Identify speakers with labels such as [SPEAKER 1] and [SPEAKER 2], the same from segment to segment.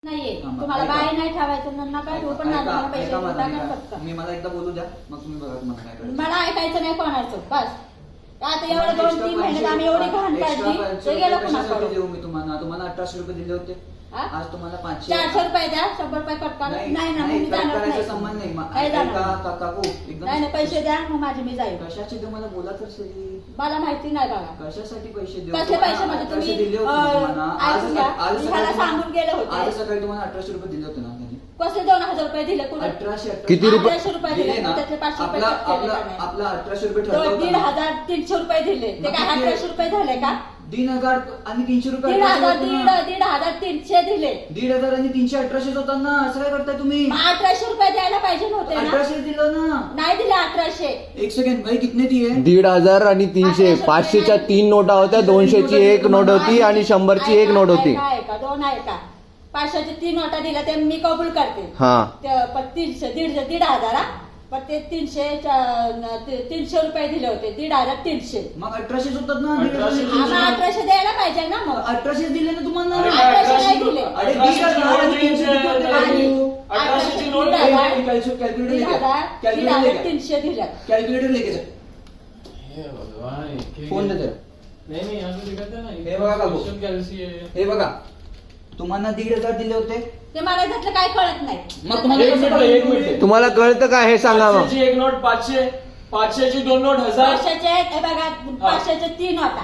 [SPEAKER 1] नाहीये तुम्हाला बाय नाही ठेवायचं नका ठेवू पण नाही मला पैसे टाका फक्त
[SPEAKER 2] मी मला एकदा बोलू द्या मग तुम्ही बघा तुम्हाला काय करायचं
[SPEAKER 1] मला ऐकायचं नाही कोणाचं बस आता एवढं 2-3 महिन्यात आम्ही एवढी घाण काढली ते गेलं
[SPEAKER 2] कशासाठी देऊ मी तुम्हाला 1800 रुपये दिले होते आज तुम्हाला
[SPEAKER 1] 400 रुपये द्या 100 रुपये कट करा नाही ना मी जाणार नाही
[SPEAKER 2] संबंध नाही काकू एकदम
[SPEAKER 1] नाही पैसे द्या मग माझे मी जाईल
[SPEAKER 2] कशाचे तुम्हाला बोला तर सही
[SPEAKER 1] मला माहिती नाही बघा
[SPEAKER 2] कशासाठी पैसे देऊ
[SPEAKER 1] कसले पैसे म्हणजे तुम्ही
[SPEAKER 2] दिले होते
[SPEAKER 1] आज सांगून गेले होते
[SPEAKER 2] आज सकाळी तुम्हाला 1800 रुपये दिले होते ना
[SPEAKER 1] कसले 2000 रुपये दिले कुठे
[SPEAKER 2] 1800
[SPEAKER 3] किती रुपये
[SPEAKER 1] 1800 रुपये दिले त्यातले 500 रुपये
[SPEAKER 2] आपला 1800 रुपये ठरला होता
[SPEAKER 1] 1500 रुपये दिले ते काय 1800 रुपये झाले का
[SPEAKER 2] 3000 आणि 300 रुपये
[SPEAKER 1] 1500 दिले
[SPEAKER 2] 1500 आणि 300 1800 होता ना असं काय करताय तुम्ही
[SPEAKER 1] 1800 रुपये द्यायला पाहिजे नव्हते ना
[SPEAKER 2] 1800 दिलं ना
[SPEAKER 1] नाही दिले 1800
[SPEAKER 2] एक सेकंड भाई कितने दिए
[SPEAKER 3] 1500 आणि 300 500च्या 3 नोटा होत्या 200ची एक नोट होती आणि 100ची एक नोट होती
[SPEAKER 1] आहे का 2 आहे का 500ची 3 नोटा दिल्या ते मी कबूल करते
[SPEAKER 3] हा
[SPEAKER 1] पण 300 1500 पण ते 300 रुपये दिले होते 1500
[SPEAKER 2] मग 1800 होतात ना
[SPEAKER 1] आम्हाला 1800 द्यायला पाहिजे ना मग
[SPEAKER 2] 1800 दिले ना तुम्हाला
[SPEAKER 1] 1800 नाही दिले
[SPEAKER 2] अरे
[SPEAKER 1] 300 दिल्या
[SPEAKER 2] कॅल्क्युलेटर लेके जा फोन दे हे बघा काकू हे बघा तुम्हाला 1500 दिले होते
[SPEAKER 1] ते मला त्यातलं काय कळत नाही
[SPEAKER 2] मग तुम्हाला
[SPEAKER 4] एक मिनिट
[SPEAKER 3] तुम्हाला कळतं का हे सांगा मग
[SPEAKER 4] 500ची एक नोट 500ची 2 नोट 1000
[SPEAKER 1] 500चे हे बघा 500चे 3 होता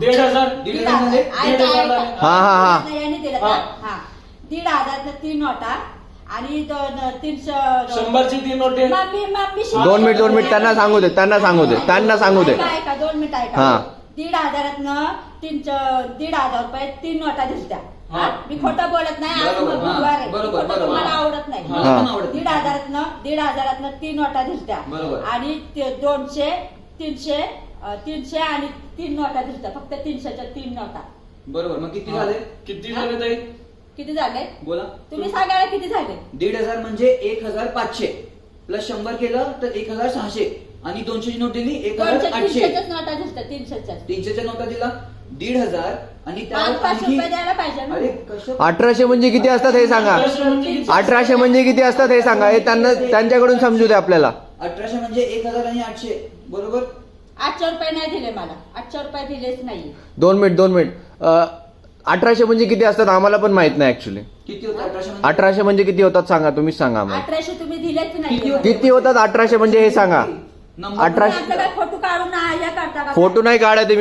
[SPEAKER 4] 1500
[SPEAKER 3] हा
[SPEAKER 1] यांनी दिलं का? हा 1500 3 नोटा आणि 300
[SPEAKER 4] 100ची 3 नोटे
[SPEAKER 1] मम्मी
[SPEAKER 3] 2 मिनिट त्यांना सांगू दे
[SPEAKER 1] ऐका 2 मिनिट ऐका
[SPEAKER 3] हा.
[SPEAKER 1] 1500 1500 रुपये 3 नोटा दिसत्या
[SPEAKER 4] हा.
[SPEAKER 1] मी खोटं बोलत नाही आज
[SPEAKER 2] बरोबर,
[SPEAKER 1] बुधवार आहे.
[SPEAKER 2] बरोबर,
[SPEAKER 1] खोटं
[SPEAKER 2] बरोबर.
[SPEAKER 1] तुम्हाला आवडत नाही
[SPEAKER 2] मला पण आवडत नाही.
[SPEAKER 1] 1500 3 नोटा दिसत्या
[SPEAKER 2] बरोबर.
[SPEAKER 1] आणि 200 300 आणि 3 नोटा दिसत्या फक्त 300च्या 3 नोटा
[SPEAKER 2] बरोबर मग किती झाले
[SPEAKER 4] किती झाले ताई
[SPEAKER 1] किती झाले
[SPEAKER 2] बोला
[SPEAKER 1] तुम्ही सांगायला किती झाले
[SPEAKER 2] 1500 म्हणजे 1500 प्लस 100 केलं तर 1600 आणि 200 ची नोट दिली 1800
[SPEAKER 1] 300च्याच नोटा दिसत्या 300च्या
[SPEAKER 2] 300च्या नोटा दिला 1500 आणि त्यावर
[SPEAKER 1] 500 रुपये द्यायला पाहिजे ना
[SPEAKER 2] अरे कसं
[SPEAKER 3] 1800 म्हणजे किती असतात हे सांगा 1800 म्हणजे किती असतात हे सांगा हे त्यांच्याकडून समजू दे आपल्याला
[SPEAKER 2] 1800 म्हणजे 1000 आणि 800 बरोबर
[SPEAKER 1] 800 रुपये नाही दिले मला 800 रुपये दिलेच नाही
[SPEAKER 3] 2 मिनिट 1800 म्हणजे किती असतात आम्हाला पण माहित नाही ऍक्च्युली
[SPEAKER 2] किती होतं 1800
[SPEAKER 3] 1800 म्हणजे किती होतात सांगा तुम्हीच सांगा आम्हाला
[SPEAKER 1] 1800 तुम्ही दिलेच नाही
[SPEAKER 2] किती होते?
[SPEAKER 3] किती होतात 1800 म्हणजे हे सांगा
[SPEAKER 2] नंबर
[SPEAKER 3] 1800
[SPEAKER 1] फोटो काढून हे करता का
[SPEAKER 3] फोटो नाही काढा